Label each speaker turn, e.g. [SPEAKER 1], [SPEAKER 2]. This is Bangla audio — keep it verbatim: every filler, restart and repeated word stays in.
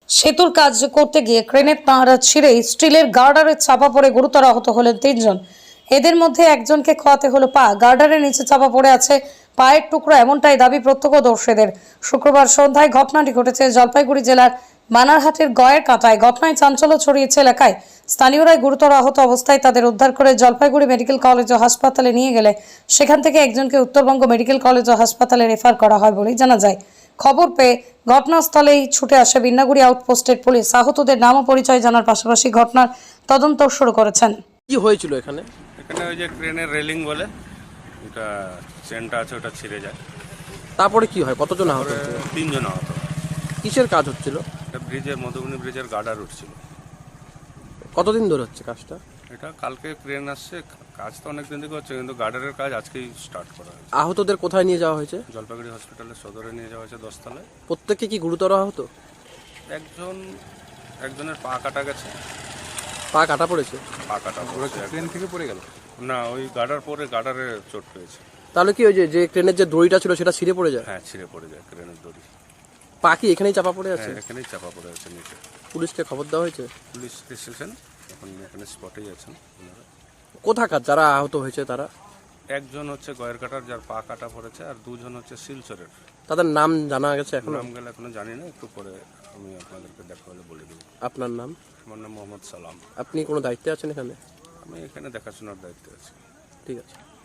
[SPEAKER 1] সেতুর কাজ করতে গিয়ে ক্রেনের তার ছিঁড়ে স্টিলের গার্ডারে চাপা পড়ে গুরুতর আহত হলেন তিনজন। এদের মধ্যে একজনকে খোয়াতে হলো পা। গার্ডারের নিচে চাপা পড়ে আছে পায়ের টুকরো, এমনটাই দাবি প্রত্যক্ষদর্শীদের। শুক্রবার সন্ধ্যায় ঘটনাটি ঘটেছে জলপাইগুড়ি জেলার বানারহাটের গয়ের কাঁটায়। ঘটনায় চাঞ্চল্য ছড়িয়েছে এলাকায়। স্থানীয়রাই গুরুতর আহত অবস্থায় তাদের উদ্ধার করে জলপাইগুড়ি মেডিকেল কলেজ ও হাসপাতালে নিয়ে গেলে সেখান থেকে একজনকে উত্তরবঙ্গ মেডিকেল কলেজ ও হাসপাতালে রেফার করা হয় বলেই জানা যায়। খবর পেয়ে ঘটনাস্থলেই ছুটে আসে বিন্নাগুড়ি আউটপোস্টের পুলিশ। আহতদের নাম ও পরিচয় জানার পাশাপাশি ঘটনার তদন্ত শুরু করেছেন।
[SPEAKER 2] কি হয়েছিল এখানে?
[SPEAKER 3] এখানে ওই যে ক্রেনের রেলিং বলে ওটা চেনটা আছে, ওটা ছিঁড়ে যায়।
[SPEAKER 2] তারপরে কি হয়? কতজন আহত
[SPEAKER 3] তারপরে
[SPEAKER 2] হয়েছে?
[SPEAKER 3] তিনজন আহত।
[SPEAKER 2] কিসের কাজ হচ্ছিল?
[SPEAKER 3] এটা ব্রিজের, মধুবনী ব্রিজের গার্ডার উঠছিল।
[SPEAKER 2] কতদিন ধরে হচ্ছে কাজটা?
[SPEAKER 3] এটা কালকে ক্রেন আসছে, কাজ তো অনেক দিন থেকে হচ্ছে, কিন্তু গার্ডারের কাজ আজকেই স্টার্ট করা হয়েছে।
[SPEAKER 2] আহতদের কোথায় নিয়ে যাওয়া হয়েছে?
[SPEAKER 3] জলপাইগুড়ি হসপিটালের সদরে নিয়ে যাওয়া হয়েছে দশতলায়।
[SPEAKER 2] প্রত্যেকে কি গুরুতর আহত?
[SPEAKER 3] একজন একজনের পা কাটা গেছে।
[SPEAKER 2] পা কাটা পড়েছে?
[SPEAKER 3] পা কাটা পড়েছে।
[SPEAKER 4] ট্রেন থেকে পড়ে গেল?
[SPEAKER 3] না, ওই গার্ডার পরে গার্ডারে চোট পেয়েছে।
[SPEAKER 2] তাহলে কি ওই যে যে ট্রেনের যে দড়িটা ছিল সেটা ছিঁড়ে পড়ে যায়?
[SPEAKER 3] হ্যাঁ, ছিঁড়ে পড়ে যায় ক্রেনের দড়ি।
[SPEAKER 2] পা কি এখানেই চাপা পড়ে আছে?
[SPEAKER 3] হ্যাঁ, এখানেই চাপা পড়ে আছে নিচে।
[SPEAKER 2] পুলিশকে খবর দেওয়া হয়েছে?
[SPEAKER 3] পুলিশ এসেছেন, এখন এখানে স্পটেই আছেন ওনারা।
[SPEAKER 2] কোথাকার যারা আহত হয়েছে তারা?
[SPEAKER 3] একজন হচ্ছে গয়ের কাটার, যার পা কাটা পড়েছে, আর দুজন হচ্ছে শিলচরের।
[SPEAKER 2] তাদের নাম জানা গেছে এখন?
[SPEAKER 3] নাম গেলে এখনো জানি না, একটু পরে আমি আপনাদেরকে দেখা হলে বলে দেবো।
[SPEAKER 2] আপনার নাম?
[SPEAKER 3] আমার নাম মোহাম্মদ সালাম।
[SPEAKER 2] আপনি কোনো দায়িত্বে আছেন এখানে?
[SPEAKER 3] আমি এখানে দেখাশোনার দায়িত্বে আছি।
[SPEAKER 2] ঠিক আছে।